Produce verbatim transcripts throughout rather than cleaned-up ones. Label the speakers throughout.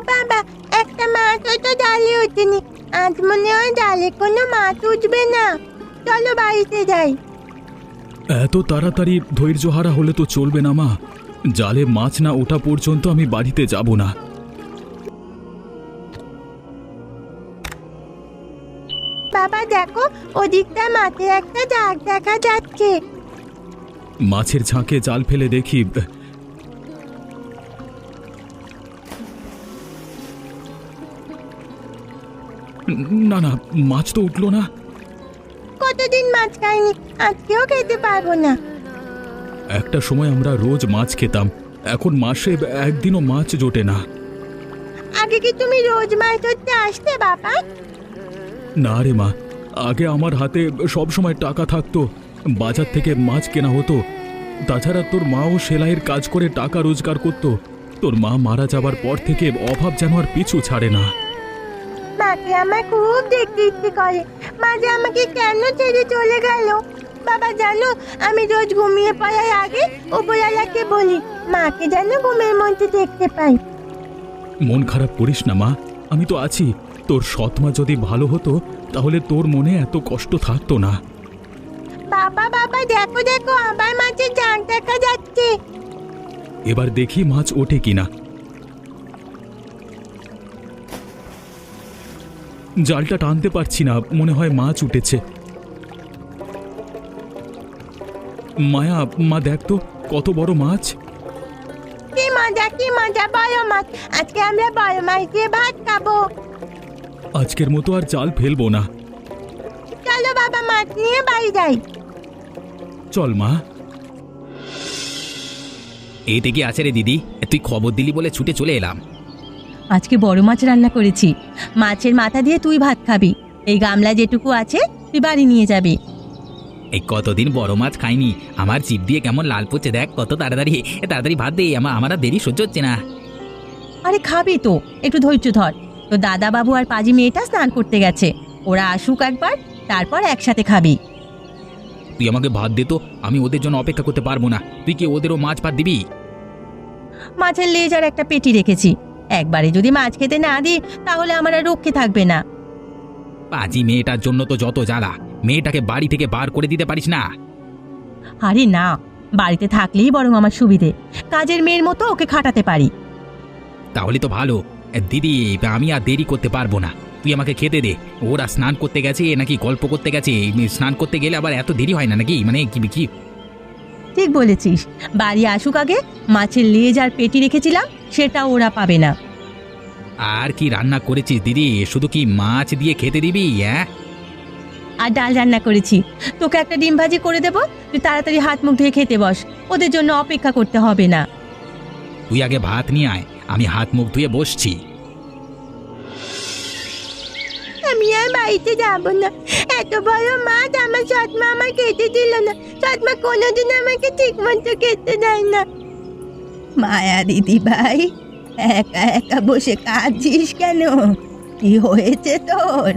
Speaker 1: বাবা, একটা মাছও তো ডালে ওঠেনি। আজ মনে হয় ডালে কোনো মাছ উঠবে না। চলো বাড়িতে যাই।
Speaker 2: এত তাড়াতাড়ি ধৈর্যহারা হলে তো চলবে না মা। জালে মাছ না ওঠা পর্যন্ত আমি বাড়িতে যাব না।
Speaker 1: বাবা দেখো, ওদিকটা মাঠে একটা দাগ দেখা যাচ্ছে।
Speaker 2: মাছের ঝাঁকে জাল ফেলে দেখি। না না, মাছ তো উঠলো না।
Speaker 1: কতদিন মাছ খাইনি, আজকেও খেতে পারবো না।
Speaker 2: একটা সময় আমরা রোজ মাছ খেতাম, এখন মাসে একদিনও মাছ জোটে না।
Speaker 1: আগে কি তুমি রোজ মাছ ধরতে আসতে বাবা?
Speaker 2: না রে মা, আগে আমার হাতে সব সময় টাকা থাকতো, বাজার থেকে মাছ কেনা হতো। তাছাড়া তোর মাও সেলাইয়ের কাজ করে টাকা রোজগার করত। তোর মা মারা যাবার পর থেকে অভাব যেন আর পিছু ছাড়ে না।
Speaker 1: মাকে আমার খুব দেখতে ইচ্ছে করে। মা যে আমাকে কেন ছেড়ে চলে গেল। বাবা জানো, আমি রোজ ঘুমিয়ে পড়ার আগে উপরওয়ালাকে বলি মাকে যেন ঘুমের মধ্যে দেখতে পাই।
Speaker 2: মন খারাপ করিস না মা, আমি তো আছি। তোর সৎ মা যদি ভালো হতো তাহলে তোর মনে এত কষ্ট থাকতো না।
Speaker 1: বাবা বাবা দেখো দেখো, আবার মাছের জাল দেখা যাচ্ছে।
Speaker 2: এবার দেখি মাছ ওঠে কিনা। জালটা টানতে পারছি না, মনে হয় মাছ উঠেছে। মায়া, মা দেখ তো কত বড় মাছ।
Speaker 1: কি মজা কি মজা, বড় মাছ। আজকে আমরা বড় মাছ দিয়ে ভাত খাবো।
Speaker 2: আজকের মতো আর জাল ফেলবো না।
Speaker 1: চলো বাবা, মাছ নিয়ে বাড়ি যাই।
Speaker 2: চল মা।
Speaker 3: এইটা কি আছে রে দিদি? তুই খবর দিলি বলে ছুটে চলে এলাম।
Speaker 4: আজকে বড় মাছ রান্না করেছি। মাছের মাথা দিয়ে তুই ভাত খাবি। এই গামলা যেটুকু আছে তুই বাড়ি নিয়ে যাবি।
Speaker 3: এই কতদিন বড় মাছ খাইনি, আমার জিভ দিয়ে কেমন লাল পড়ছে দেখ। কত তাড়াতাড়ি তাড়াতাড়ি ভাত দে, আমার আমার আর দেরি সহ্য হচ্ছে না।
Speaker 4: আরে খাবি তো, একটু ধৈর্য ধর। তো দাদা বাবু আর পাজি মেয়েটা স্নান করতে গেছে, ওরা আসুক একবার, তারপর একসাথে খাবি।
Speaker 3: তুই আমাকে ভাত দে তো, আমি ওদের জন্য অপেক্ষা করতে পারবো না। তুই কি ওদেরও মাছ ভাত দিবি?
Speaker 4: মাছের লেজ আর একটা পেটি রেখেছি, একবারে যদি মাছ খেতে না দিই তাহলে আমার আর রক্ষে থাকবে না।
Speaker 3: পাজি মেয়েটার জন্য তো যত জ্বালা, মেয়েটাকে বাড়ি থেকে বার করে দিতে পারিস না?
Speaker 4: আরে না, বাড়িতে থাকলেই বরং আমার সুবিধে, কাজের মেয়ের মতো ওকে খাটাতে পারি।
Speaker 3: তাহলে তো ভালো। দিদি, আমি আর দেরি করতে পারবো না, তুই আমাকে খেতে দে। ওরা স্নান করতে গেছে নাকি গল্প করতে গেছে? স্নান করতে গেলে আবার এত দেরি হয় না নাকি? মানে কি কি
Speaker 4: ঠিক বলেছিস, বাড়ি আসুক আগে। মাছের লেজ আর পেটি রেখেছিলাম, সেটা ওরা পাবে না।
Speaker 3: আর কি রান্না করেছিস দিদি? শুধু কি মাছ দিয়ে খেতে দিবি? হ্যাঁ,
Speaker 4: আর ডাল রান্না করেছি, তোকে একটা ডিম ভাজি করে দেবো, তুই তাড়াতাড়ি হাত মুখ ধুয়ে খেতে বস, ওদের জন্য অপেক্ষা করতে হবে না।
Speaker 3: তুই আগে ভাত নিয়ে আয়, আমি হাত মুখ ধুয়ে বসছি।
Speaker 1: আমি আর বাড়িতে যাবো না। এত বড় মাছ আমার সৎমা আমার খেতে দিল না। সৎমা কোনোদিন আমাকে ঠিক মতো খেতে দেয় না।
Speaker 4: মায়া দিদি ভাই, একা একা বসে কাঁদছিস কেন? কি হয়েছে তোর?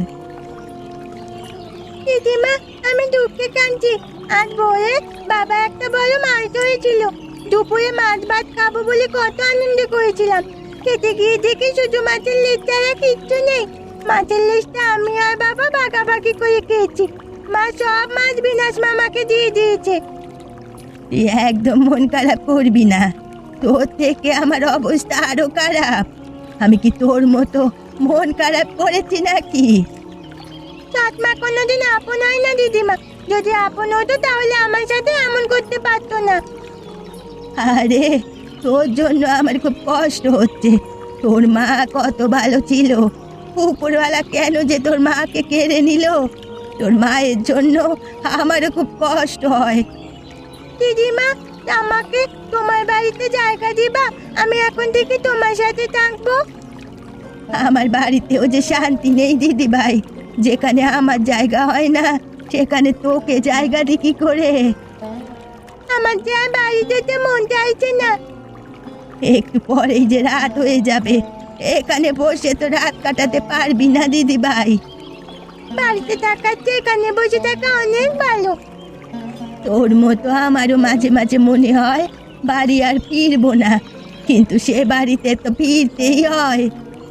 Speaker 1: দিদিমা, আমি দুঃখে কাঁদছি। আজ ভোরে বাবা একটা বড় মাছ ধরেছিল। দুপুরে মাছ ভাত খাবো বলে কত আনন্দ করেছিলাম। খেতে গিয়ে দেখি শুধু মাছের লেজ ছাড়া কিচ্ছু নেই। মাছের লেজটা আমি আর বাবা ভাগাভাগি করে খেয়েছি। মা সব মাছ বিনাশ মামাকে দিয়ে দিয়েছে।
Speaker 4: তুই একদম মন খারাপ করবি না, তোর থেকে আমার অবস্থা আরো খারাপ। আমি কি তোর মতো মন খারাপ করেছি নাকি?
Speaker 1: সৎমা কোনোদিন আপন হয় না দিদিমা। যদি আপন হতো তাহলে আমার সাথে এমন করতে পারতো না।
Speaker 4: আরে, তোর জন্য আমার খুব কষ্ট হচ্ছে। তোর মা কত ভালো ছিল, উপরওয়ালা কেন যে তোর মাকে কেড়ে নিল? তোর মায়ের জন্য আমারও খুব কষ্ট হয়।
Speaker 1: দিদিমা, আমাকে তোমার বাড়িতে জায়গা দিবা? আমি এখন থেকে তোমার সাথে থাকবো।
Speaker 4: আমার বাড়িতেও যে শান্তি নেই দিদি ভাই, যেখানে আমার জায়গা হয় না সেখানে তোকে জায়গা দি কি করে?
Speaker 1: আমার যে আর বাড়ি যেতে মন চাইছে না।
Speaker 4: একটু পরেই যে রাত হয়ে যাবে, এখানে বসে তো রাত কাটাতে পারবি না দিদি ভাই।
Speaker 1: বাড়িতে থাকার চেয়ে এখানে বসে থাকা অনেক ভালো।
Speaker 4: তোর মতো আমারও মাঝে মাঝে মনে হয় বাড়ি আর ফিরবো না, কিন্তু সে বাড়িতে তো ফিরতেই হয়।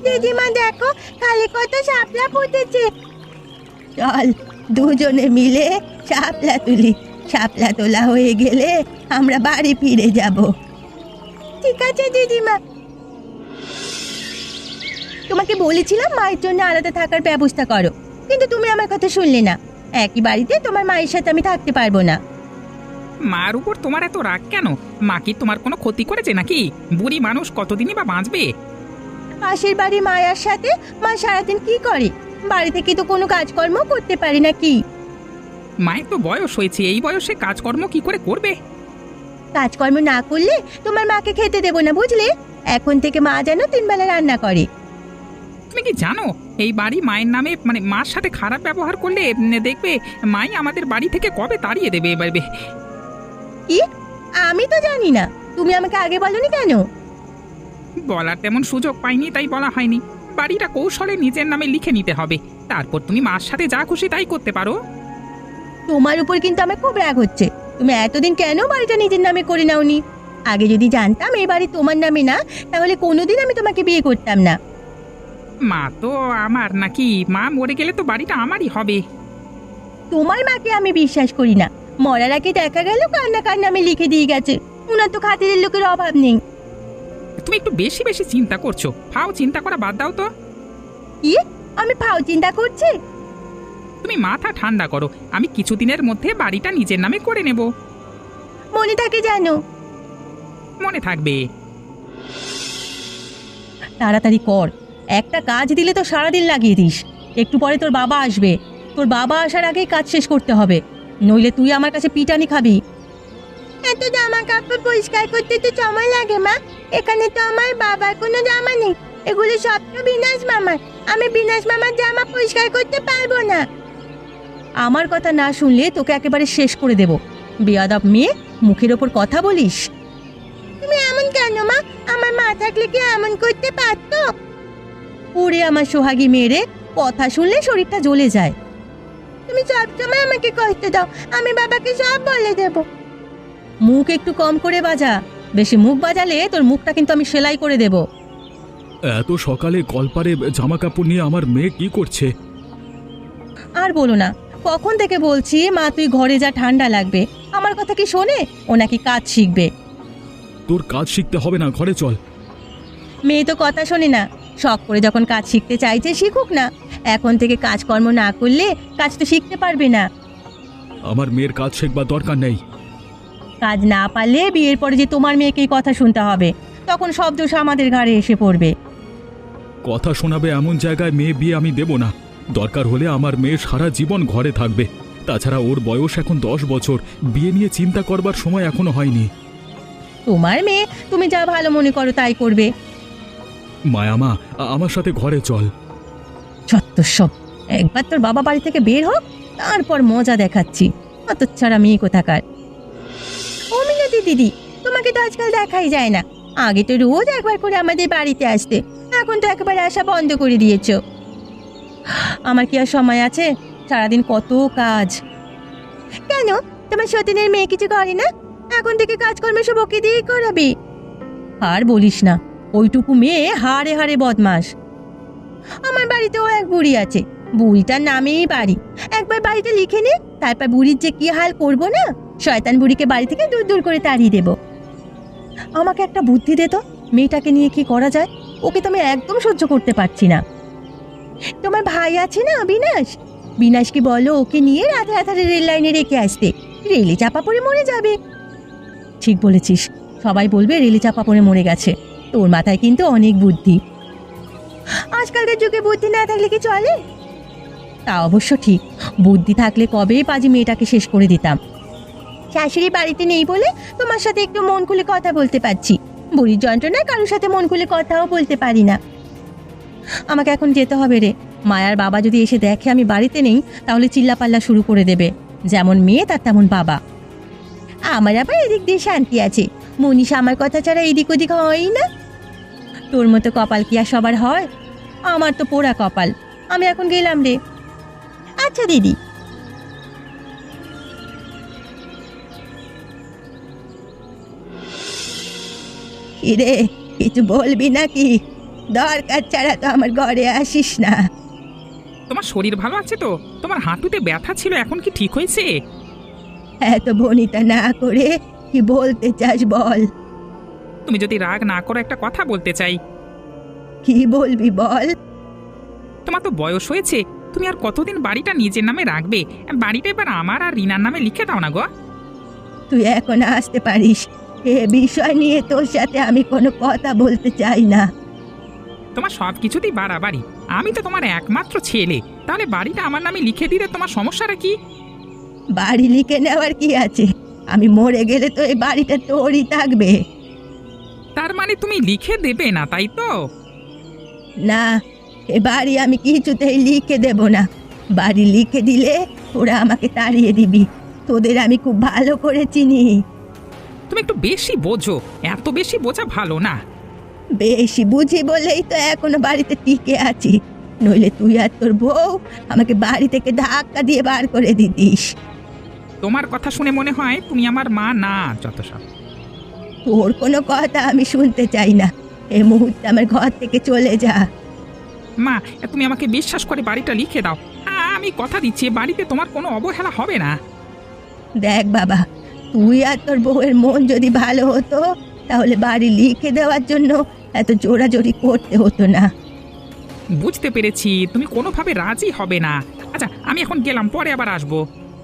Speaker 1: দিদিমা দেখো, খালি কত শাপলা ফুটেছে।
Speaker 4: চল দুজনে মিলে শাপলা তুলি। শাপলা তোলা হয়ে গেলে আমরা বাড়ি ফিরে যাব।
Speaker 1: ঠিক আছে দিদিমা।
Speaker 4: তোমাকে বলেছিলাম মায়ের জন্য আলাদা থাকার ব্যবস্থা করো, কিন্তু তুমি আমার কথা শুনলে না। একই বাড়িতে তোমার মায়ের সাথে আমি থাকতে পারবো না।
Speaker 3: মার উপর তোমার এত রাগ কেন? মা কি তোমার কোনো ক্ষতি করেছে নাকি? বুড়ি মানুষ কতদিনই বা বাঁচবে?
Speaker 4: পাশের বাড়ি মায়ার সাথে মা সারাদিন কি করে? বাড়ি থেকে তো কোনো কাজকর্ম করতে পারি না কি?
Speaker 3: মায়ের তো বয়স হয়েছে, এই বয়সে কাজকর্ম কি করে করবে?
Speaker 4: কাজকর্ম না করলে তোমার মাকে খেতে দেবো না, বুঝলে? এখন থেকে মা যেন তিন বেলা রান্না করে।
Speaker 3: তুমি কি জানো এই বাড়ি মায়ের নামে, মানে মার সাথে খারাপ ব্যবহার করলে উম, দেখবে মাই আমাদের বাড়ি থেকে কবে তাড়িয়ে দেবে এবার।
Speaker 4: কি? আমি তো জানি না, তুমি আমাকে আগে বলনি কেন?
Speaker 3: বলার তেমন সুযোগ পাইনি, তাই বলা হয়নি। বাড়িটা কৌশলে নিজের নামে লিখে নিতে হবে, তারপর তুমি মার সাথে যা খুশি তাই করতে পারো।
Speaker 4: তোমার উপর কিন্তু আমার খুব রাগ হচ্ছে। তুমি এতদিন কেন বাড়িটা নিজের নামে করে নাওনি? আগে যদি জানতাম এই বাড়ি তোমার নামে না, তাহলে কোনোদিন আমি তোমাকে বিয়ে করতাম না।
Speaker 3: মা তো আমার নাকি? মা মরে গেলে তো বাড়িটা আমারই হবে।
Speaker 4: তোমার মাকে আমি বিশ্বাস করি না। মরার আগে দেখা গেল কান্না কার নামে লিখে দিয়ে গেছে। উনার তো খাতিরের লোকের অভাব নেই।
Speaker 3: তুমি একটু বেশি বেশি চিন্তা করছো, ফাও চিন্তা করা বাদ দাও তো।
Speaker 4: কি? আমি ফাও চিন্তা করছি?
Speaker 3: তুমি মাথা ঠান্ডা করো, আমি কিছুদিনের মধ্যে বাড়িটা নিজের নামে করে নেব।
Speaker 4: মনে থাকে জানো?
Speaker 3: মনে থাকবে।
Speaker 4: তাড়াতাড়ি কর, একটা কাজ দিলে তো সারাদিন লাগিয়ে দিস। একটু পরে তোর বাবা আসবে, তোর বাবা আসার আগেই কাজ শেষ করতে হবে, নইলে তুই আমার কাছে পিটানি খাবি।
Speaker 1: এত জামা কাপড় পরিষ্কার করতে তো সময় লাগে মা। এখানে তো আমার বাবার কোনো জামা নেই, এগুলো সব তো বিনাশ মামার। আমি বিনাশ মামার জামা পরিষ্কার করতে পারবো না।
Speaker 4: আমার কথা না শুনলে তোকে একেবারে শেষ করে দেব। বেয়াদব মেয়ে, মুখের ওপর কথা বলিস।
Speaker 1: তুমি এমন কেন মা? আমার মা থাকলে কি এমন করতে পারতো?
Speaker 4: ওরে আমার সোহাগী মেয়েরে, কথা শুনলে শরীরটা জ্বলে যায়।
Speaker 1: তুমি সবসময় আমাকে কষ্ট দাও, আমি বাবাকে সব বলে দেবো।
Speaker 4: মুখ একটু কম করে বাজা, বেশি মুখ বাজালে তোর মুখটা কিন্তু আমি সেলাই করে দেব।
Speaker 2: এত সকালে কলপারে জামা কাপড় নিয়ে আমার মেয়ে কি করছে?
Speaker 4: আর বলো না, কখন থেকে বলছি মা তুই ঘরে যা, ঠান্ডা লাগবে। আমার কথা কি শোনে? ও নাকি কাজ শিখবে।
Speaker 2: তোর কাজ শিখতে হবে না, ঘরে চল।
Speaker 4: মেয়ে তো কথা শোনে না। শখ করে যখন কাজ শিখতে চাইছে শিখুক না। এখন থেকে কাজকর্ম না করলে কাজ তো শিখতে পারবে না।
Speaker 2: আমার মেয়ের কাজ শেখবার দরকার নেই।
Speaker 4: কাজ না পারলে বিয়ের পরে যে তোমার মেয়েকেই কথা শুনতে হবে, তখন সব দোষ আমাদের ঘাড়ে এসে পড়বে।
Speaker 2: কথা শোনাবে এমন জায়গায় মেয়ে বিয়ে আমি দেব না। দরকার হলে আমার মেয়ে সারা জীবন ঘরে থাকবে। তাছাড়া ওর বয়স এখন দশ বছর, বিয়ে নিয়ে চিন্তা করবার সময় এখনো হয়নি।
Speaker 4: তোমার মেয়ে, তুমি যা ভালো মনে করো তাই করবে।
Speaker 2: মায়ামা, আ- আমার সাথে ঘরে চল।
Speaker 4: ছত্তর সব, একবার তোর বাবা বাড়ি থেকে বের হোক, তারপর মজা দেখাচ্ছি। অত ছাড়া মেয়ে কোথাকার।
Speaker 1: ও মিনতি দিদি, তোমাকে তো আজকাল দেখাই যায় না।
Speaker 4: আগে তো রোজ একবার করে আমাদের বাড়িতে আসতে, এখন তো একেবারে আসা বন্ধ করে দিয়েছো। আমার কি আর সময় আছে? সারাদিন কত কাজ।
Speaker 1: কেন, তোমার সতীনের মেয়ে কিছু করে না? এখন থেকে কাজকর্ম সব ওকে দিয়েই করাবে।
Speaker 4: আর বলিস না, ওইটুকু মেয়ে হাড়ে হাড়ে বদমাস।
Speaker 1: আমার বাড়িতেও এক বুড়ি আছে,
Speaker 4: বুড়িটার নামেই বাড়ি।
Speaker 1: একবার বাড়িতে লিখে নে,
Speaker 4: তারপর বুড়ির যে কি হাল করব না, শয়তান বুড়িকে বাড়ি থেকে দূর দূর করে তাড়িয়ে দেব। আমাকে একটা বুদ্ধি দে তো, মেয়েটাকে নিয়ে কি করা যায়? ওকে তো আমি একদম সহ্য করতে পারছি না।
Speaker 1: তোমার ভাই আছে না বিনাশ,
Speaker 4: বিনাশকে বলো ওকে নিয়ে রাতে রাতে রেল লাইনে রেখে আসতে, রেলে চাপা পড়ে মরে যাবে। ঠিক বলেছিস, সবাই বলবে রেলে চাপা পড়ে মরে গেছে। তোর মাথায় কিন্তু অনেক বুদ্ধি।
Speaker 1: আজকালকার যুগে বুদ্ধি না থাকলে কি চলে?
Speaker 4: তা অবশ্য ঠিক, বুদ্ধি থাকলে কবেই পাজি মেয়েটাকে শেষ করে দিতাম।
Speaker 1: শাশুড়ি বাড়িতে নেই বলে তোমার সাথে একটু মন খুলে কথা বলতে পারছি। বুড়ির যন্ত্রণায় কারোর সাথে মন খুলে কথাও বলতে পারি না।
Speaker 4: আমাকে এখন যেতে হবে রে। মায়ার বাবা যদি এসে দেখে আমি বাড়িতে নেই, তাহলে চিল্লাপাল্লা শুরু করে দেবে। যেমন মেয়ে তার তেমন বাবা।
Speaker 1: আমার আবার এদিক দিয়ে শান্তি আছে, মনীষা আমার কথা ছাড়া এদিক ওদিক হয়ই না।
Speaker 4: তোর মতো কপাল কি আর সবার হয়? আমার তো পোড়া কপাল। আমি এখন গেলাম রে।
Speaker 1: আচ্ছা দিদি।
Speaker 4: কিরে, কিছু বলবি নাকি? দরকার ছাড়া তো আমার ঘরে আসিস না।
Speaker 5: তোমার শরীর ভালো আছে তো? তোমার হাঁটুতে ব্যথা ছিল, এখন কি ঠিক হয়েছে?
Speaker 4: এত বনিতা না করে কি বলতে চাস বল।
Speaker 5: তুমি যদি রাগ না করো, একটা কথা বলতে চাই।
Speaker 4: কি বলবি বল।
Speaker 5: তোমার তো বয়স হয়েছে, তুমি আর কতদিন বাড়িটা নিজের নামে রাখবে? বাড়িটা এবার আমার আর রিনার নামে লিখে দাও না গো।
Speaker 4: তুই এখন আসতে পারিস, এ বিষয় নিয়ে তোর সাথে আমি কোনো কথা বলতে চাই না।
Speaker 5: তোমার সব কিছুতেই বাড়াবাড়ি। আমি তো তোমার একমাত্র ছেলে, তাহলে বাড়িটা আমার নামে লিখে দিলে তোমার সমস্যাটা কি?
Speaker 4: বাড়ি লিখে নেওয়ার কি আছে? আমি মরে গেলে তো এই বাড়িটা তোরই থাকবে।
Speaker 5: তার মানে তুমি লিখে দেবে না, তাই তো?
Speaker 4: না, এ বাড়ি আমি কিছুতেই লিখে দেব না। বাড়ি লিখে দিলে ওরা আমাকে তাড়িয়ে দিবি। তোদের আমি খুব ভালো করে চিনি।
Speaker 5: তুমি একটু বেশি বোঝো, এত বেশি বোঝা ভালো না।
Speaker 4: বেশি বুঝি বলেই তো এখনো বাড়িতে টিকে আছি, নইলে তুই আর তোর বউ আমাকে বাড়ি থেকে ধাক্কা দিয়ে বার করে দিতিস।
Speaker 5: তোমার কথা শুনে মনে হয় তুমি আমার মা না, যত সব।
Speaker 4: তোর কোনো কথা আমি শুনতে চাই না। এই মুহূর্তে আমার ঘর থেকে চলে যা।
Speaker 5: মা, তুমি আমাকে বিশ্বাস করে বাড়িটা লিখে দাও। আ- আমি কথা দিচ্ছি, এ বাড়িতে তোমার কোনো অবহেলা হবে না।
Speaker 4: দেখ বাবা, তুই আর তোর বউয়ের মন যদি ভালো হতো তাহলে বাড়ি লিখে দেওয়ার জন্য এত জোরাজোরি করতে হতো না।
Speaker 5: বুঝতে পেরেছি, তুমি কোনোভাবে রাজি হবে না। আচ্ছা, আমি এখন গেলাম, পরে আবার আসবো।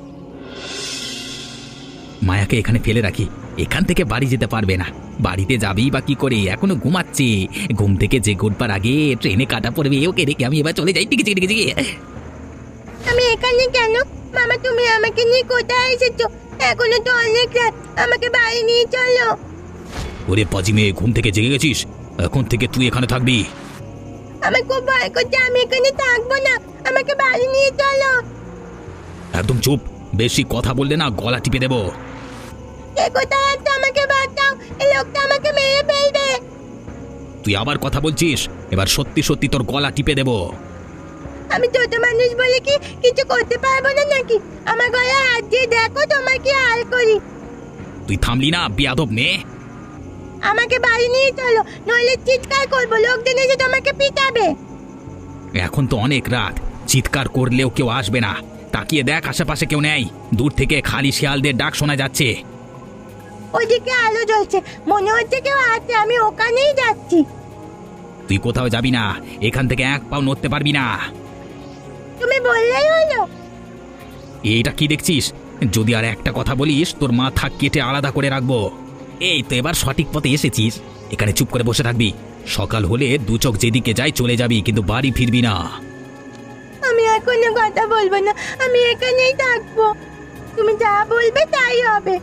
Speaker 3: মায়াকে এখানে ফেলে রাখি, এখান থেকে বাড়ি যেতে পারবে না। বাড়িতে যাবেই বা কি করে? এখনো ঘুমাচ্ছে। ঘুম থেকে যে ঘুরবার আগে ট্রেনে কাটা পড়বে, ওকে রেখে আমি এবার চলে যাই। টিকে টিকে টিকে।
Speaker 1: আমি এখানে কেন? মামা, তুমি আমাকে নিয়ে কোথায় এসেছো? এখনো তো অনেক রাত, আমাকে বাড়ি নিয়ে চলো।
Speaker 3: ওরে পাজি মেয়ে, ঘুম থেকে জেগে গেছিস? এখন থেকে তুই এখানে থাকবি।
Speaker 1: আমার খুব ভয় করছে, আমি এখানে থাকবো না, আমাকে বাড়ি নিয়ে চলো।
Speaker 3: একদম চুপ, বেশি কথা বললে না গলা টিপে দেবো।
Speaker 1: এ কোথায় আছে? আমাকে বাঁচাও, এই লোকটা আমাকে মেরে ফেলবে।
Speaker 3: তুই আবার কথা বলছিস? এবার সত্যি সত্যি তোর গলা টিপে দেবো।
Speaker 1: আমি ছোট মানুষ বলে কি কিছু করতে পারবো না নাকি? আমার গলায় হাত দিয়ে দেখো তোমার কি হাল করি।
Speaker 3: তুই থামলি না বেয়াদব মেয়ে?
Speaker 1: আমাকে বাড়ি নিয়ে চলো, নইলে চিৎকার করবো, লোকজন এসে তোমাকে পিটাবে।
Speaker 3: এখন তো অনেক রাত, চিৎকার করলেও কেউ আসবে না। তাকিয়ে দেখ, আশেপাশে কেউ নেই। দূর থেকে খালি শিয়ালদের ডাক শোনা যাচ্ছে।
Speaker 1: ওইদিকে আলো জ্বলছে, মনে হচ্ছে কেউ আছে, আমি ওখানেই যাচ্ছি।
Speaker 3: তুই কোথাও যাবি না, এখান থেকে এক পাও নড়তে পারবি না।
Speaker 1: তুমি বললেই হলো।
Speaker 3: এইটা কি দেখছিস? যদি আর একটা কথা বলিস তোর মাথা কেটে আলাদা করে রাখবো। এই তো এবার সঠিক পথে এসেছিস, এখানে চুপ করে বসে থাকবি। সকাল হলে দু চোখ যেদিকে যাই চলে যাবি, কিন্তু বাড়ি ফিরবি না।
Speaker 1: আমি আর কোনো কথা বলবো না, আমি এখানেই থাকবো। তুমি যা বলবে তাই হবে।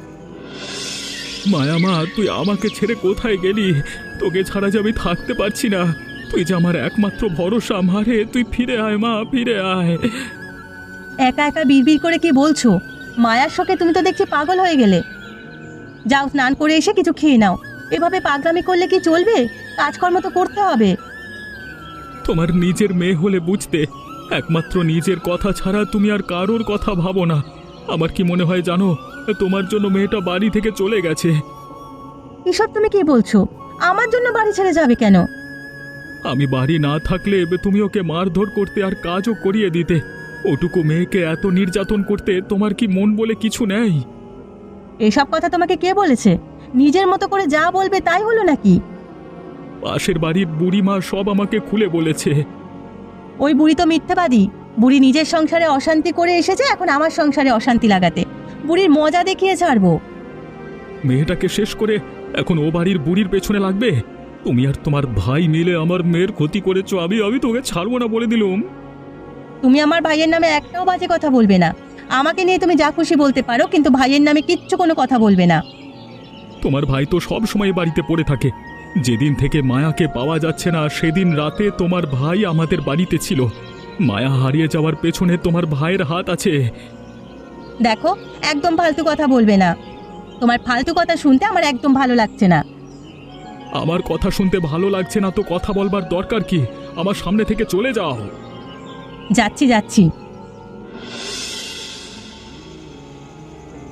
Speaker 2: মায়া মা, তুই আমাকে ছেড়ে কোথায় গেলি? তোকে ছাড়া যে আমি থাকতে পারছি না। তুই যে আমার একমাত্র ভরসা, মারে তুই ফিরে আয় মা, ফিরে আয়।
Speaker 4: একা একা বিড়বিড় করে কি বলছো? মায়ার শোকে তুমি তো দেখছি পাগল হয়ে গেলে। যাও, স্নান করে এসে কিছু খেয়ে নাও। এভাবে পাগলামি করলে কি চলবে? কাজকর্ম তো করতে হবে।
Speaker 2: তোমার নিজের মেয়ে হলে বুঝতে, একমাত্র নিজের কথা ছাড়া তুমি আর কারোর কথা ভাবো না। আমার কি মনে হয় জানো, তোমার জন্য মেয়েটা বাড়ি থেকে চলে গেছে।
Speaker 4: এসব তুমি কি বলছো? আমার জন্য বাড়ি ছেড়ে যাবে কেন?
Speaker 2: আমি বাড়ি না থাকলে তুমি ওকে মারধর করতে আর কাজও করিয়ে দিতে। ওটুকু মেয়েকে এত নির্যাতন করতে তোমার কি মন বলে কিছু নেই?
Speaker 4: এসব কথা তোমাকে কে বলেছে? নিজের মতো করে যা বলবে তাই হলো নাকি?
Speaker 2: পাশের বাড়ির বুড়িমা সব আমাকে খুলে বলেছে।
Speaker 4: ওই বুড়ি তো মিথ্যাবাদী। বুড়ি নিজের সংসারে অশান্তি করে এসেছে, এখন আমার সংসারে অশান্তি লাগাতে। বুড়ির মজা দেখিয়ে ছাড়বো।
Speaker 2: মেয়েটাকে শেষ করে এখন ও বাড়ির বুড়ির পেছনে লাগবে? তুমি আর তোমার ভাই মিলে আমার মেয়ের ক্ষতি করেছো, আমি আমি তোকে ছাড়বো না বলে দিলুম।
Speaker 4: তুমি আমার ভাইয়ের নামে একটাও বাজে কথা বলবে না। আমাকে নিয়ে তুমি যা খুশি বলতে পারো, কিন্তু ভাইয়ের নামে কিচ্ছু কোনো কথা বলবে না।
Speaker 2: তোমার ভাই তো সব সময় বাড়িতে পড়ে থাকে। যেদিন থেকে মায়াকে পাওয়া যাচ্ছে না সেদিন রাতে তোমার ভাই আমাদের বাড়িতে ছিল। মায়া হারিয়ে যাওয়ার পেছনে তোমার ভাইয়ের হাত আছে।
Speaker 4: দেখো, একদম ফালতু কথা বলবে না। তোমার ফালতু কথা শুনতে আমার একদম ভালো লাগছে না।
Speaker 2: আমার কথা শুনতে ভালো লাগছে না তো কথা বলবার দরকার কি? আমার সামনে থেকে চলে যাও।
Speaker 4: যাচ্ছি যাচ্ছি।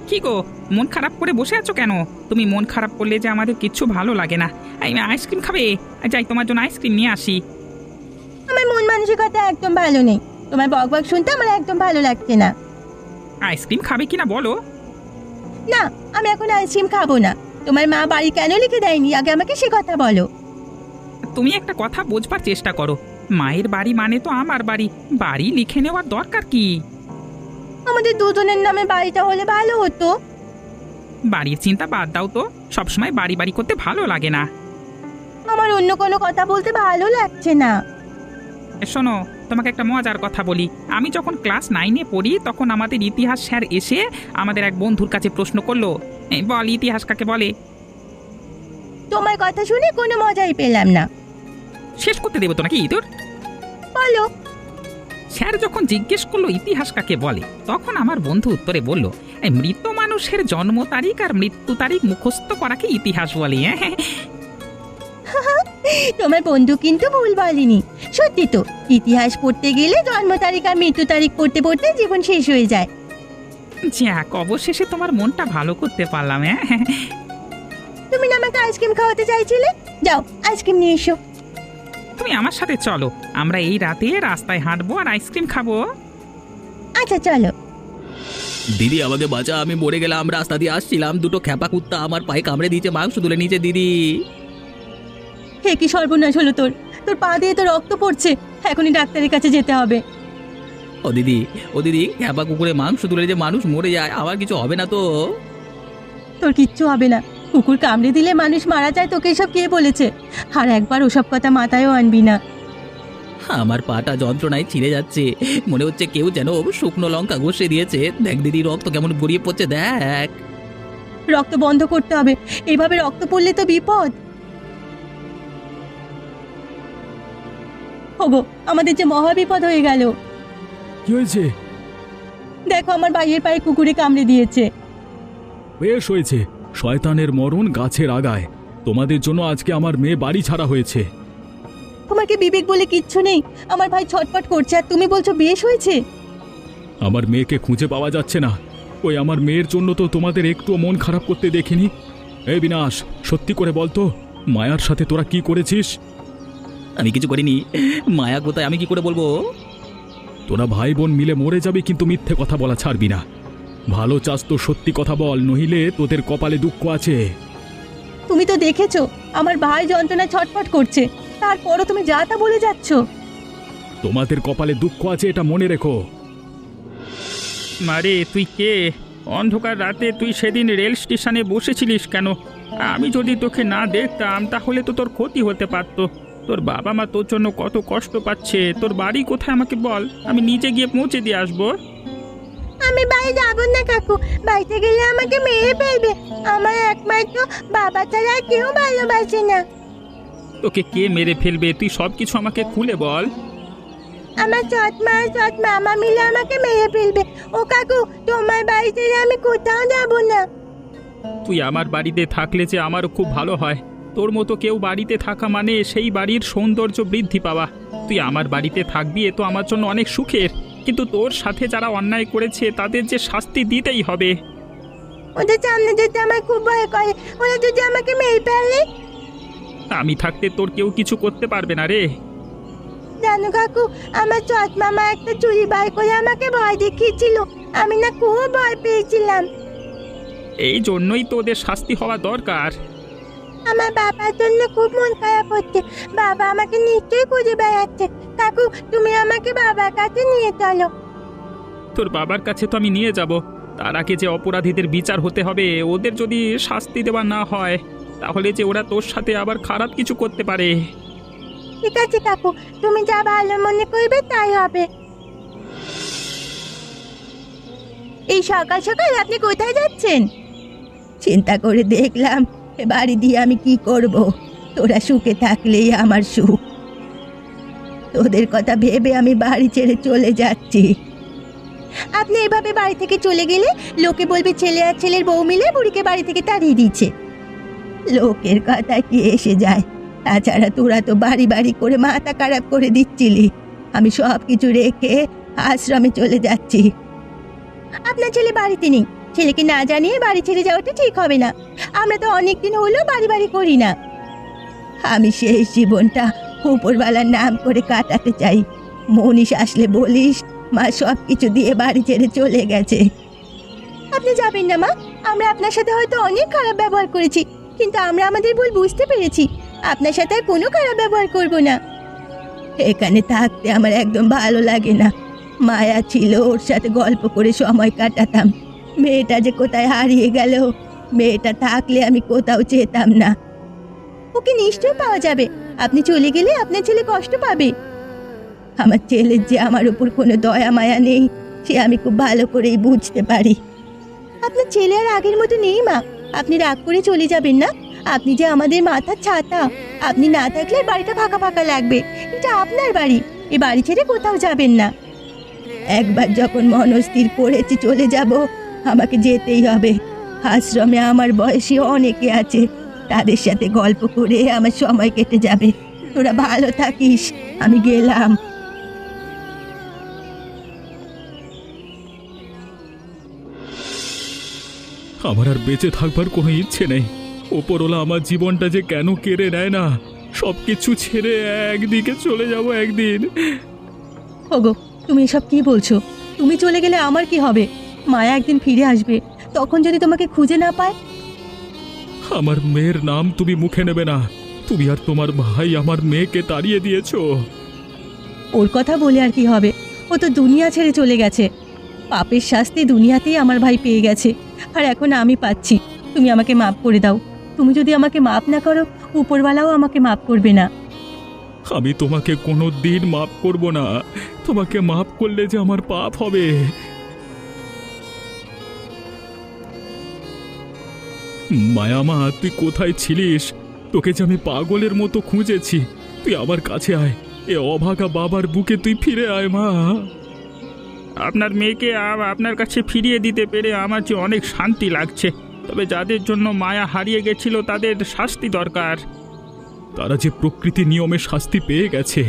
Speaker 5: কি গো, মন খারাপ করে বসে আছো কেন? তুমি মন খারাপ করলে যে আমাদের কিচ্ছু ভালো লাগে না। এই আইসক্রিম খাবে? যাই তোমার জন্য আইসক্রিম নিয়ে আসি।
Speaker 1: আমার মন মানসিকতা একদম ভালো নেই, তোমার বক বক শুনতে আমার একদম ভালো লাগছে না।
Speaker 5: আইসক্রিম খাবে কিনা বলো?
Speaker 1: না, আমি এখন আইসক্রিম খাবো না। তোমার মা বাড়ি কেন লিখে দেয়নি আগে আমাকে সে কথা বলো।
Speaker 5: তুমি একটা কথা বোঝবার চেষ্টা করো, মায়ের বাড়ি মানে তো আমার বাড়ি, বাড়ি লিখে নেওয়ার দরকার কি?
Speaker 1: আমাদের দুজনের নামে বাড়িটা হলে ভালো হতো।
Speaker 5: বাড়ির চিন্তা বাদ দাও তো, সবসময় বাড়ি বাড়ি করতে ভালো লাগে না।
Speaker 1: আমার অন্য কোনো কথা বলতে ভালো লাগছে না।
Speaker 5: এ শোনো, তোমাকে একটা মজার কথা বলি। আমি যখন ক্লাস নাইনে পড়ি তখন আমাদের ইতিহাস স্যার এসে আমাদের এক বন্ধুর কাছে প্রশ্ন করলো, এই বল ইতিহাস কাকে বলে?
Speaker 1: তোমার কথা শুনে কোনো মজাই পেলাম না।
Speaker 5: শেষ করতে দেবো তো নাকি তোর?
Speaker 1: বলো।
Speaker 5: স্যার যখন জিজ্ঞেস করলো ইতিহাস কাকে বলে, তখন আমার বন্ধু উত্তরে বলল, এই মৃত মানুষের জন্ম তারিখ আর মৃত্যু তারিখ মুখস্থ করাকে ইতিহাস বলে। হ্যাঁ,
Speaker 1: তোমার বন্ধু কিন্তু ভুল বলেনি। সত্যি তো, ইতিহাস পড়তে গেলে জন্ম তারিখ আর মৃত্যু তারিখ পড়তে পড়তে জীবন শেষ হয়ে যায়।
Speaker 5: যাক, অবশেষে তোমার মনটা ভালো করতে পারলাম। হ্যাঁ,
Speaker 1: তুমি না আমাকে আইসক্রিম খাওয়াতে চাইছিলে, যাও আইসক্রিম নিয়ে এসো।
Speaker 5: তুমি আমার সাথে চলো, আমরা এই রাতে রাস্তায় হাঁটবো আর আইসক্রিম খাবো।
Speaker 1: আচ্ছা চলো।
Speaker 3: দিদি আমাকে বাঁচা, আমি মরে গেলাম। রাস্তা দিয়ে আসছিলাম, দুটো খ্যাপা কুত্তা আমার পায়ে কামড়ে দিয়েছে, মাংস তুলে নিয়েছে। দিদি,
Speaker 1: হে কি সর্বনাশ হলো তোর! তোর পা দিয়ে তো রক্ত পড়ছে, এখনই ডাক্তারের কাছে যেতে হবে।
Speaker 3: ও দিদি, ও দিদি, খ্যাপা কুকুরে মাংস তুলে যে মানুষ মরে যায়, আমার কিছু হবে না তো?
Speaker 1: তোর কিচ্ছু হবে না, কুকুর কামড়ে দিলে মানুষ মারা যায়, তোকে এসব কে বলেছে? আর একবার ওসব কথা মাথায়ও আনবি না।
Speaker 3: আমার পাটা যন্ত্রণায় ছিঁড়ে যাচ্ছে, মনে হচ্ছে কেউ যেন শুকনো লঙ্কা ঘষে দিয়েছে। দেখ দিদি, রক্ত কেমন গড়িয়ে পড়ছে, দেখ।
Speaker 1: রক্ত বন্ধ করতে হবে, এইভাবে রক্ত পড়লে তো বিপদ। ওগো, আমাদের যে মহা বিপদ হয়ে গেল।
Speaker 2: কি হয়েছে?
Speaker 1: দেখো, আমার ভাইয়ের পায়ে কুকুরে কামড়ে দিয়েছে।
Speaker 2: বেশ হয়েছে, শয়তানের মরণ গাছের আগায়। তোমাদের জন্য আজকে আমার মেয়ে বাড়ি ছাড়া হয়েছে।
Speaker 1: তোমার কি বিবেক বলে কিচ্ছু নেই? আমার ভাই ছটফট করছে আর তুমি বলছো বেশ হয়েছে।
Speaker 2: আমার মেয়েকে খুঁজে পাওয়া যাচ্ছে না। ওই আমার মেয়ের জন্য তো তোমাদের একটু মন খারাপ করতে দেখিনি। এই বিনাশ, সত্যি করে বলতো, মায়ার সাথে তোরা কি করেছিস?
Speaker 3: আমি কিছু করিনি। মায়া কোথায়, আমি কি করে বলবো?
Speaker 2: তোরা ভাই বোন মিলে মরে যাবে, কিন্তু মিথ্যে কথা বলা ছাড়বি না। ভালো চাস তো সত্যি কথা বল, নহিলে তোদের কপালে দুঃখ আছে।
Speaker 1: তুমি তো দেখেছো আমার ভাই যন্ত্রণায় ছটফট করছে, তারপরও তুমি যা তা বলে যাচ্ছ।
Speaker 2: তোমাদের কপালে দুঃখ আছে, এটা মনে রেখো।
Speaker 5: মারে, তুই কে? অন্ধকার রাতে তুই সেদিন রেল স্টেশনে বসেছিলিস কেন? আমি যদি তোকে না দেখতাম তাহলে তো তোর ক্ষতি হতে পারতো। তোর বাবা মা তোর জন্য কত কষ্ট পাচ্ছে। তোর বাড়ি কোথায় আমাকে বল, আমি নিজে গিয়ে পৌঁছে দিয়ে আসবো।
Speaker 1: আমি বাড়ি যাবো না কাকু, বাড়িতে গেলে আমাকে মেরে ফেলবে। আমার একমাত্র বাবা ছাড়া আর কেউ ভালোবাসে না।
Speaker 5: তোকে কে মেরে ফেলবে, তুই সব কিছু আমাকে খুলে বল।
Speaker 1: আমার সৎ মা আর সৎ মামা মিলে আমাকে মেরে ফেলবে। ও কাকু, তোমার বাড়ি থেকে আমি কোথাও যাবো না।
Speaker 5: তুই আমার বাড়িতে থাকলে যে আমারও খুব ভালো হয়। তোর মতো কেউ বাড়িতে থাকা মানে সেই বাড়ির সৌন্দর্য বৃদ্ধি পাওয়া। তুই আমার বাড়িতে থাকবি, এ তো আমার জন্য অনেক সুখের। কিন্তু তোর সাথে যারা অন্যায় করেছে তাদের যে শাস্তি দিতেই হবে।
Speaker 1: ওদের সামনে যেতে আমার খুব ভয় করে, ওরা যদি আমাকে মেরে ফেলে।
Speaker 5: আমি থাকতে তোর কেউ কিছু করতে পারবে না রে।
Speaker 1: জানো কাকু, আমার সৎ মামা একটা চুরি বার করে আমাকে ভয় দেখিয়েছিল, আমি না খুব ভয় পেয়েছিলাম।
Speaker 5: এই জন্যই তো ওদের শাস্তি হওয়া দরকার।
Speaker 1: আমার বাবার জন্য খুব মন খারাপ হচ্ছে, বাবা আমাকে নিশ্চয়ই খুঁজে বেড়াচ্ছে। কাকু, তুমি আমাকে বাবার কাছে নিয়ে চলো।
Speaker 5: তোর বাবার কাছে তো আমি নিয়ে যাব, তার আগে যে অপরাধীদের বিচার হতে হবে। ওদের যদি শাস্তি দেওয়া না হয় তাহলে যে ওরা তোর সাথে আবার খারাপ কিছু করতে পারে।
Speaker 1: ঠিক আছে কাকু, তুমি যা ভালো মনে করবে তাই হবে। এই সকাল সকাল আপনি কোথায় যাচ্ছেন? চিন্তা করে দেখলাম এ বাড়ি দিয়ে আমি কি করব। তোরা সুখে থাকলেই আমার সুখ। তোদের কথা ভেবে আমি বাড়ি ছেড়ে চলে যাচ্ছি। আপনি এভাবে বাড়ি থেকে চলে গেলে লোকে বলবে ছেলে আর ছেলের বউ মিলে বুড়িকে বাড়ি থেকে তাড়িয়ে দিচ্ছে। লোকের কথা কি এসে যায়? তাছাড়া তোরা তো বাড়ি বাড়ি করে মাথা খারাপ করে দিচ্ছিলি। আমি সব কিছু রেখে আশ্রমে চলে যাচ্ছি। আপনার ছেলে বাড়িতে নেই,
Speaker 4: ছেলেকে না জানিয়ে বাড়ি ছেড়ে যাওয়াটা ঠিক হবে না। আমরা তো অনেক দিন হলো বাড়ি বাড়ি করি না। আমি শেষ জীবনটা উপরওয়ালার নাম করে কাটাতে চাই। মনীষ আসলে বলিস মা সব কিছু দিয়ে বাড়ি ছেড়ে চলে গেছে। আপনি যাবেন না মা, আমরা আপনার সাথে হয়তো অনেক খারাপ ব্যবহার করেছি, কিন্তু আমরা আমাদের ভুল বুঝতে পেরেছি। আপনার সাথে আর কোনো খারাপ ব্যবহার করব না। এখানে থাকতে আমার একদম ভালো লাগে না। মায়া ছিল, ওর সাথে গল্প করে সময় কাটাতাম। মেয়েটা যে কোথায় হারিয়ে গেল, মেয়েটা থাকলে আমি কোথাও যেতাম না। ওকে নিশ্চয় পাওয়া যাবে। আপনি চলে গেলে আপনার ছেলে কষ্ট পাবে। আমার ছেলের যে আমার উপর কোনো দয়া মায়া নেই, সে আমি খুব ভালো করেই বুঝতে পারি। আপনার ছেলে আর আগের মতো নেই মা, আপনি রাগ করে চলে যাবেন না। আপনি যে আমাদের মাথার ছাতা, আপনি না থাকলে বাড়িটা ফাঁকা ফাঁকা লাগবে। এটা আপনার বাড়ি, এ বাড়ি ছেড়ে কোথাও যাবেন না। একবার যখন মনস্থির করেছি চলে যাব, আমাকে যেতেই হবে। আশ্রমে আমার বয়সী অনেকে আছে, তাদের সাথে গল্প করে আমার সময় কেটে যাবে। তোরা ভালো থাকিস, আমি গেলাম।
Speaker 2: আমার আর বেঁচে থাকবার কোনো ইচ্ছে নেই। ওপরওয়ালা আমার জীবনটা যে কেন কেড়ে নেয় না, সব কিছু ছেড়ে একদিকে চলে যাব একদিন।
Speaker 4: ওগো, তুমি এসব কি বলছো? তুমি চলে গেলে আমার কি হবে? মায়া একদিন ফিরে আসবে, তখন যদি তোমাকে খুঁজে না পায়।
Speaker 2: আমার মেয়ের নাম তুমি মুখে নেবে না। তুমি আর তোমার ভাই আমার মেয়েকে তাড়িয়ে দিয়েছো।
Speaker 4: ওর কথা বলে আর কি হবে? ও তো দুনিয়া ছেড়ে চলে গেছে। পাপের শাস্তি দুনিয়াতেই আমার ভাই পেয়ে গেছে, আর এখন আমি পাচ্ছি। তুমি আমাকে মাফ করে দাও। তুমি যদি আমাকে মাফ না করো, উপরওয়ালাও আমাকে মাফ করবে না।
Speaker 2: আমি তোমাকে কোনো দিন মাফ করব না। তোমাকে মাফ করলে যে আমার পাপ হবে। মায়ামা, তুই কোথায় ছিলিস? তোকে যে আমি পাগলের মতো খুঁজেছি। তুই আমার কাছে আয়, এ অভাগা বাবার বুকে তুই ফিরে আয় মা।
Speaker 5: আপনার মেয়েকে আ- আপনার কাছে ফিরিয়ে দিতে পেরে আমার যে অনেক শান্তি লাগছে। তবে যাদের জন্য মায়া হারিয়ে গেছিল তাদের শাস্তি দরকার।
Speaker 2: তারা যে প্রকৃতি নিয়মে শাস্তি পেয়ে গেছে।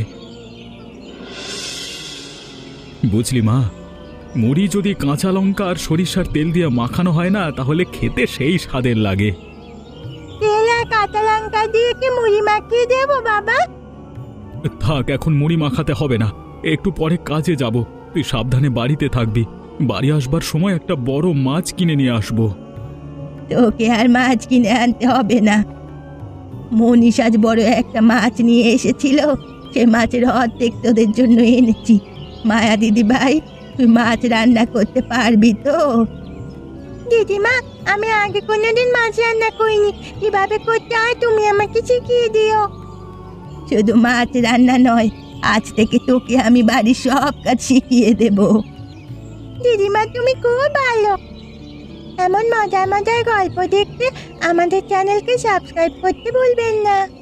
Speaker 2: বুঝলি মা, মুড়ি যদি কাঁচা লঙ্কা আর সরিষার তেল দিয়ে মাখানো হয় না, তাহলে খেতে সেই স্বাদের লাগে।
Speaker 1: তেল আর কাঁচা লঙ্কা দিয়ে কি মুড়ি মাখিয়ে দেবো বাবা?
Speaker 2: থাক, এখন মুড়ি মাখাতে হবে না। একটু পরে কাজে যাব। তুই সাবধানে বাড়িতে থাকবি। বাড়ি আসবার সময় একটা বড় মাছ কিনে নিয়ে আসবো।
Speaker 4: তোকে আর মাছ কিনে আনতে হবে না। মনীষ আজ বড় একটা মাছ নিয়ে এসেছিল, সে মাছের অর্ধেক তোদের জন্য এনেছি। মায়া দিদি ভাই, তুই মাছ রান্না করতে পারবি তো?
Speaker 1: দিদিমা, আমি আগে কোনোদিন মাছ রান্না করিনি। কিভাবে করতে হয় তুমি আমাকে শিখিয়ে দিও।
Speaker 4: শুধু মাছ রান্না নয়, আজ থেকে তোকে আমি বাড়ির সব কাজ শিখিয়ে দেব।
Speaker 1: দিদিমা, তুমি খুব ভালো। এমন মজার মজার গল্প দেখতে আমাদের চ্যানেলকে সাবস্ক্রাইব করতে ভুলবেন না।